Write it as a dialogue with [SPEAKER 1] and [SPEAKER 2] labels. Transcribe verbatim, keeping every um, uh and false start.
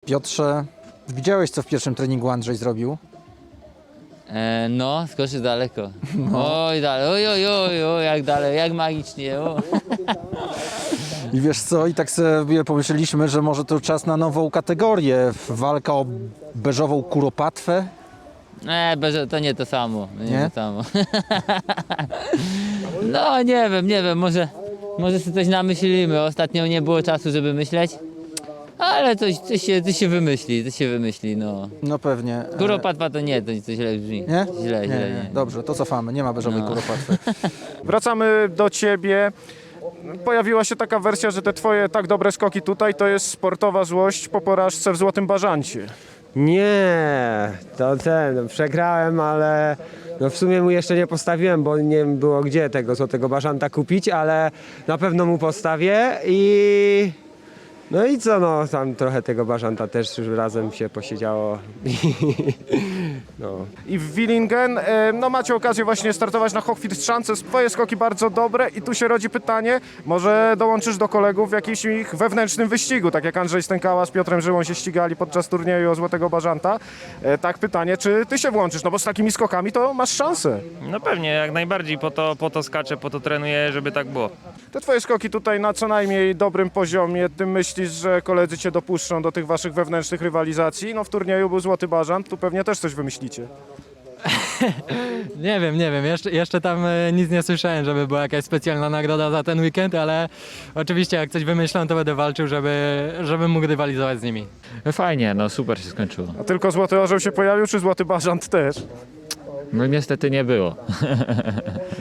[SPEAKER 1] Piotrze, widziałeś, co w pierwszym treningu Andrzej zrobił?
[SPEAKER 2] E, no, skoczy daleko. No. Oj, dalej, oj, oj, oj, oj, jak dalej, jak magicznie. O.
[SPEAKER 1] I wiesz co, i tak sobie pomyśleliśmy, że może to czas na nową kategorię. Walka o beżową kuropatwę.
[SPEAKER 2] Nie, beże, to nie to samo. Nie,
[SPEAKER 1] Nie?
[SPEAKER 2] to samo. No, nie wiem, nie wiem, może, może sobie coś namyślimy. Ostatnio nie było czasu, żeby myśleć. Ale coś, coś, się, coś się wymyśli, coś się wymyśli, no.
[SPEAKER 1] No pewnie. E,
[SPEAKER 2] Kuropatwa to nie, to, to źle brzmi.
[SPEAKER 1] Nie?
[SPEAKER 2] Źle,
[SPEAKER 1] Nie,
[SPEAKER 2] źle,
[SPEAKER 1] nie.
[SPEAKER 2] nie.
[SPEAKER 1] Dobrze, to cofamy, nie ma beżowej
[SPEAKER 2] No.
[SPEAKER 1] kuropatwy.
[SPEAKER 3] Wracamy do ciebie. Pojawiła się taka wersja, że te twoje tak dobre skoki tutaj to jest sportowa złość po porażce w Złotym Bażancie.
[SPEAKER 4] Nie, to ten, przegrałem, ale no w sumie mu jeszcze nie postawiłem, bo nie było gdzie tego złotego bażanta kupić, ale na pewno mu postawię i no i co, no tam trochę tego bażanta też już razem się posiedziało. No.
[SPEAKER 3] I w Willingen, e, no macie okazję właśnie startować na Hochfilzschanze. Twoje skoki bardzo dobre i tu się rodzi pytanie, może dołączysz do kolegów w jakimś ich wewnętrznym wyścigu, tak jak Andrzej Stękała z Piotrem Żyłą się ścigali podczas turnieju o Złotego Bażanta. E, tak pytanie, czy ty się włączysz, no bo z takimi skokami to masz szansę.
[SPEAKER 5] No pewnie, jak najbardziej, po to, po to skaczę, po to trenuję, żeby tak było.
[SPEAKER 3] Te twoje skoki tutaj na co najmniej dobrym poziomie, ty myślisz, że koledzy cię dopuszczą do tych waszych wewnętrznych rywalizacji? No w turnieju był Złoty Bażant, tu pewnie też coś wymyślicie.
[SPEAKER 6] Nie wiem, nie wiem, jeszcze, jeszcze tam e, nic nie słyszałem, żeby była jakaś specjalna nagroda za ten weekend, ale oczywiście jak coś wymyślą, to będę walczył, żeby, żeby mógł rywalizować z nimi.
[SPEAKER 7] Fajnie, no super się skończyło.
[SPEAKER 3] A tylko Złoty Orzeł się pojawił, czy Złoty Bażant też?
[SPEAKER 7] No niestety nie było.